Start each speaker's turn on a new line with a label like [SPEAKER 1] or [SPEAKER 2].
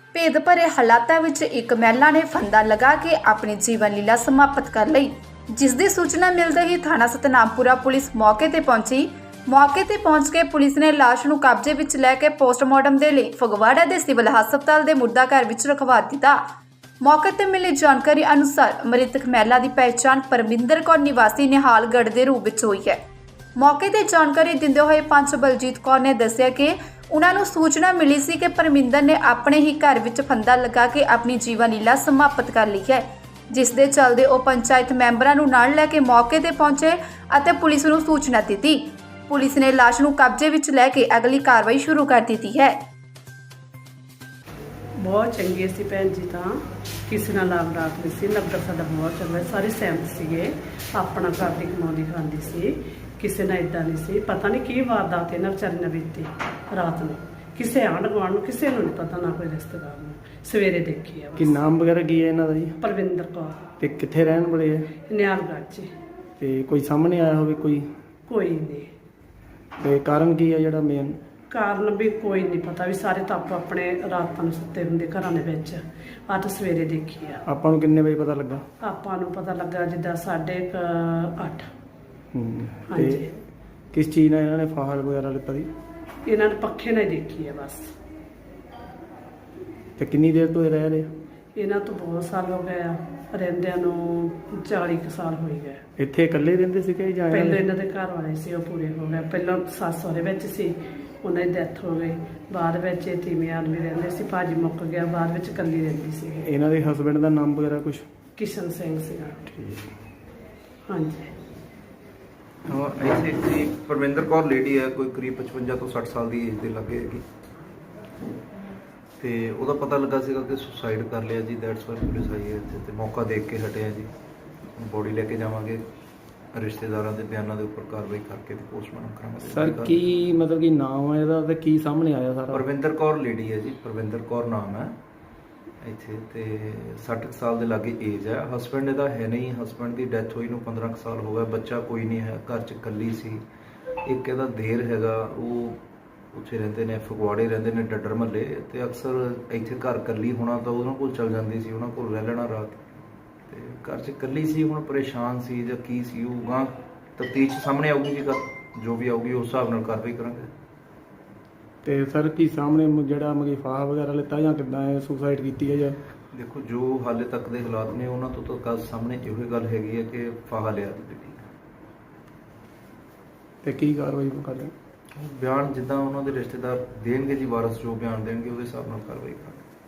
[SPEAKER 1] ਭੇਦ ਭਰੇ ਹਾਲਾਤਾਂ ਵਿੱਚ ਇੱਕ ਮਹਿਲਾ ਨੇ ਫੰਦਾ ਲਗਾ ਕੇ ਆਪਣੀ ਜੀਵਨ ਲੀਲਾ ਸਮਾਪਤ ਕਰ ਲਈ, ਜਿਸ ਦੀ ਸੂਚਨਾ ਮਿਲਦੇ ਹੀ ਥਾਣਾ ਸਤਨਾਮਪੁਰਾ ਪੁਲਿਸ ਮੌਕੇ ਤੇ ਪਹੁੰਚੀ। ਮੌਕੇ ਤੇ ਪਹੁੰਚ ਕੇ ਪੁਲਿਸ ਨੇ ਲਾਸ਼ ਨੂੰ ਕਬਜ਼ੇ ਵਿੱਚ ਲੈ ਕੇ ਪੋਸਟਮਾਰਟਮ ਦੇ ਲਈ ਫਗਵਾੜਾ ਦੇ ਸਿਵਲ ਹਸਪਤਾਲ ਦੇ ਮੁੱਢਾ ਘਰ ਵਿੱਚ ਰਖਵਾ ਦਿੱਤਾ। ਮੌਕੇ ਤੇ ਮਿਲੀ ਜਾਣਕਾਰੀ ਅਨੁਸਾਰ ਮ੍ਰਿਤਕ ਮਹਿਲਾ ਦੀ ਪਹਿਚਾਣ ਪਰਮਿੰਦਰ ਕੌਰ ਨਿਵਾਸੀ ਨਿਹਾਲਗੜ੍ਹ ਦੇ ਰੂਪ ਵਿੱਚ ਹੋਈ ਹੈ। ਮੌਕੇ ਤੇ ਜਾਣਕਾਰੀ ਦਿੰਦੇ ਹੋਏ ਪੰਚ ਬਲਜੀਤ ਕੌਰ ਨੇ ਦੱਸਿਆ ਕਿ ਉਹਨਾਂ ਨੂੰ ਸੂਚਨਾ ਮਿਲੀ ਸੀ ਕਿ ਪਰਮਿੰਦਰ ਨੇ ਆਪਣੇ ਹੀ ਘਰ ਵਿੱਚ ਫੰਦਾ ਲਗਾ ਕੇ ਆਪਣੀ ਜੀਵਨ ਲੀਲਾ ਸਮਾਪਤ ਕਰ ਲਈ ਹੈ, ਜਿਸ ਦੇ ਚੱਲਦੇ ਉਹ ਪੰਚਾਇਤ ਮੈਂਬਰਾਂ ਨੂੰ ਨਾਲ ਲੈ ਕੇ ਮੌਕੇ ਤੇ ਪਹੁੰਚੇ ਅਤੇ ਪੁਲਿਸ ਨੂੰ ਸੂਚਨਾ ਦਿੱਤੀ। ਪੁਲਿਸ ਨੇ ਲਾਸ਼ ਨੂੰ ਕਬਜ਼ੇ ਵਿੱਚ ਲੈ ਕੇ ਅਗਲੀ ਕਾਰਵਾਈ ਸ਼ੁਰੂ ਕਰ ਦਿੱਤੀ ਹੈ।
[SPEAKER 2] ਬਹੁਤ ਚੰਗੇ ਸੀ ਭੈਣ ਜੀ, ਤਾਂ ਕਿਸੇ ਨਾਲ ਲਾਗ ਰਾਤ ਨਹੀਂ ਸੀ, ਲੱਗਦਾ ਸਾਡਾ ਬਹੁਤ ਚੰਗਾ, ਸਾਰੇ ਸਹਿਮਤ ਸੀਗੇ, ਆਪਣਾ ਘਰ ਦੀ ਕਮਾਉਂਦੀ ਖਾਂਦੀ ਸੀ, ਕਿਸੇ ਨਾਲ ਇਦਾਂ ਨਹੀਂ ਸੀ। ਪਤਾ ਨਹੀਂ ਕੀ ਵਾਰਦਾਤ ਇਹਨਾਂ ਵਿਚਾਰੀ ਨਾਲ ਬੀਤੀ ਰਾਤ ਨੂੰ, ਕਿਸੇ ਆਂਢ ਗੁਆਂਢ ਨੂੰ ਕਿਸੇ ਨੂੰ ਨਹੀਂ ਪਤਾ, ਨਾ ਕੋਈ ਰਿਸ਼ਤੇਦਾਰ ਨੂੰ। ਸਵੇਰੇ ਦੇਖੀ ਆ।
[SPEAKER 3] ਕੀ ਨਾਮ ਵਗੈਰਾ ਕੀ ਹੈ ਇਹਨਾਂ ਦਾ ਜੀ?
[SPEAKER 2] ਪਰਵਿੰਦਰ ਕੌਰ।
[SPEAKER 3] ਤੇ ਕਿੱਥੇ ਰਹਿਣ ਵਾਲੇ ਹੈ?
[SPEAKER 2] ਨਿਹਾਲਗੜ੍ਹ 'ਚ।
[SPEAKER 3] ਤੇ ਕੋਈ ਸਾਹਮਣੇ ਆਇਆ ਹੋਵੇ ਕੋਈ?
[SPEAKER 2] ਕੋਈ ਨਹੀਂ।
[SPEAKER 3] ਤੇ ਕਾਰਨ ਕੀ ਹੈ ਜਿਹੜਾ ਮੇਨ?
[SPEAKER 2] ਕਾਰਨ ਵੀ ਕੋਈ ਨਹੀਂ ਪਤਾ, ਵੀ ਸਾਰੇ ਤਾਂ ਆਪੋ ਆਪਣੇ ਰਾਤਾਂ ਨੂੰ ਸੁੱਤੇ ਹੁੰਦੇ ਘਰਾਂ ਦੇ ਵਿੱਚ। ਆ ਤਾਂ ਸਵੇਰੇ ਦੇਖੀ ਆ।
[SPEAKER 3] ਆਪਾਂ ਨੂੰ ਕਿੰਨੇ ਵਜੇ ਪਤਾ ਲੱਗਾ?
[SPEAKER 2] ਆਪਾਂ ਨੂੰ ਪਤਾ ਲੱਗਾ ਜਿੱਦਾਂ 8:30। ਹਾਂਜੀ।
[SPEAKER 3] ਤੇ ਕਿਸ ਚੀਜ਼ ਨਾਲ ਇਹਨਾਂ ਨੇ ਫਾਹਾ ਵਗੈਰਾ ਲਿੱਤਾ ਸੀ?
[SPEAKER 2] ਇਹਨਾਂ ਨੇ ਪੱਖੇ ਨਾਲ ਹੀ ਦੇਖੀ ਹੈ ਬਸ।
[SPEAKER 3] ਤੇ ਕਿੰਨੀ ਦੇਰ ਤੋਂ ਇਹ ਰਹਿ ਰਹੇ?
[SPEAKER 2] ਇਹਨਾਂ ਤੋਂ ਬਹੁਤ ਸਾਲ ਹੋ ਗਏ ਆ, ਰਹਿੰਦਿਆਂ ਨੂੰ 40 ਕੁ ਸਾਲ ਹੋ ਗਏ।
[SPEAKER 3] ਇੱਥੇ ਇਕੱਲੇ ਰਹਿੰਦੇ ਸੀ ਕਿ ਜਾਂ
[SPEAKER 2] ਪਹਿਲਾਂ ਇਹਨਾਂ ਦੇ ਘਰ ਵਾਲੇ ਸੀ, ਉਹ ਪੂਰੇ ਹੋ ਗਏ। ਪਹਿਲਾਂ ਸੱਸ ਸਹੁਰੇ ਵਿੱਚ ਸੀ, ਉਹਨਾਂ ਦੀ ਡੈਥ ਹੋ ਗਈ। ਬਾਅਦ ਵਿੱਚ ਇਹ ਤੀਵੀਂ ਆਦਮੀ ਰਹਿੰਦੇ ਸੀ, ਭਾਜੀ ਮੁੱਕ ਗਿਆ, ਬਾਅਦ ਵਿੱਚ ਇਕੱਲੀ ਰਹਿੰਦੀ ਸੀ।
[SPEAKER 3] ਇਹਨਾਂ ਦੇ ਹਸਬੈਂਡ ਦਾ ਨਾਮ ਵਗੈਰਾ ਕੁਝ?
[SPEAKER 2] ਕਿਸ਼ਨ ਸਿੰਘ ਸੀਗਾ।
[SPEAKER 3] ਠੀਕ।
[SPEAKER 2] ਹਾਂਜੀ।
[SPEAKER 4] ਹਾਂ, ਇੱਥੇ ਜੀ ਪਰਮਿੰਦਰ ਕੌਰ ਲੇਡੀ ਹੈ, ਕੋਈ ਕਰੀਬ 55 ਤੋਂ 60 ਸਾਲ ਦੀ ਏਜ ਦੇ ਲੱਗੇ ਹੈਗੀ, ਤੇ ਉਹਦਾ ਪਤਾ ਲੱਗਾ ਸੀਗਾ ਕਿ ਸੁਸਾਈਡ ਕਰ ਲਿਆ ਜੀ। ਦੈਟਸ ਵਾਈ ਪੁਲਿਸ ਆਈ ਹੈ ਇੱਥੇ, ਤੇ ਮੌਕਾ ਦੇਖ ਕੇ ਹਟਿਆ ਜੀ। ਬੋਡੀ ਲੈ ਕੇ ਜਾਵਾਂਗੇ, ਰਿਸ਼ਤੇਦਾਰਾਂ ਦੇ ਬਿਆਨਾਂ ਦੇ ਉੱਪਰ ਕਾਰਵਾਈ ਕਰਕੇ ਤੇ ਪੋਸਟਮਾਰਟਮ ਕਰਾਂਗੇ।
[SPEAKER 3] ਸਰ ਕੀ ਮਤਲਬ ਕਿ ਨਾਮ ਹੈ ਇਹਦਾ ਤੇ ਕੀ ਸਾਹਮਣੇ ਆਇਆ ਸਾਰਾ?
[SPEAKER 4] ਪਰਵਿੰਦਰ ਕੌਰ ਲੇਡੀ ਹੈ ਜੀ, ਪਰਵਿੰਦਰ ਕੌਰ ਨਾਮ ਹੈ ਇੱਥੇ, ਤੇ 60 ਸਾਲ ਦੇ ਲਾਗੇ ਏਜ ਹੈ। ਹਸਬੈਂਡ ਇਹਦਾ ਹੈ ਨਹੀਂ, ਹਸਬੈਂਡ ਦੀ ਡੈਥ ਹੋਈ ਨੂੰ 15 ਸਾਲ ਹੋ ਗਏ, ਬੱਚਾ ਕੋਈ ਨਹੀਂ ਹੈ, ਘਰ 'ਚ ਇਕੱਲੀ ਸੀ। ਇੱਕ ਇਹਦਾ ਦੇਰ ਹੈਗਾ, ਉਹ ਉੱਥੇ ਰਹਿੰਦੇ ਨੇ, ਫਗਵਾੜੇ ਰਹਿੰਦੇ ਨੇ, ਡੱਡਰ ਮਹੱਲੇ, ਤੇ ਅਕਸਰ ਇੱਥੇ ਘਰ ਇਕੱਲੀ ਹੋਣਾ ਤਾਂ ਉਹਨਾਂ ਕੋਲ ਚਲ ਜਾਂਦੀ ਸੀ, ਉਹਨਾਂ ਕੋਲ ਰਹਿ ਲੈਣਾ ਰਾਤ। ਤੇ ਘਰ 'ਚ ਇਕੱਲੀ ਸੀ, ਹੁਣ ਪਰੇਸ਼ਾਨ ਸੀ ਜਾਂ ਕੀ ਸੀ, ਉਹ ਗਾਂ ਤਫਤੀਸ਼ ਸਾਹਮਣੇ ਆਊਗੀ ਜੀ। ਜੋ ਵੀ ਆਊਗੀ ਉਸ ਹਿਸਾਬ ਨਾਲ ਕਾਰਵਾਈ ਕਰਾਂਗੇ।
[SPEAKER 3] ਤੇ ਸਰ ਕੀ ਸਾਹਮਣੇ ਜਿਹੜਾ ਮਗੀ ਫਾਹਾ ਵਗੈਰਾ ਲਿੱਤਾ ਜਾਂ ਕਿੱਦਾਂ ਇਹ ਸੁਸਾਈਡ ਕੀਤੀ ਹੈ ਜਾਂ?
[SPEAKER 4] ਦੇਖੋ, ਜੋ ਹਾਲੇ ਤੱਕ ਦੇ ਹਾਲਾਤ ਨੇ ਉਹਨਾਂ ਤੋਂ ਤਾਂ ਸਾਹਮਣੇ ਇਹੋ ਹੀ ਗੱਲ ਹੈਗੀ ਹੈ ਕਿ ਫਾਹਾ ਲਿਆ ਜੀ।
[SPEAKER 3] ਤੇ ਕੀ ਕਾਰਵਾਈ ਕਰ ਰਹੇ?
[SPEAKER 4] ਬਿਆਨ ਜਿੱਦਾਂ ਉਹਨਾਂ ਦੇ ਰਿਸ਼ਤੇਦਾਰ ਦੇਣਗੇ ਜੀ, ਵਾਰਸ ਜੋ ਬਿਆਨ ਦੇਣਗੇ ਉਹਦੇ ਹਿਸਾਬ ਨਾਲ ਕਾਰਵਾਈ ਕਰਾਂਗੇ।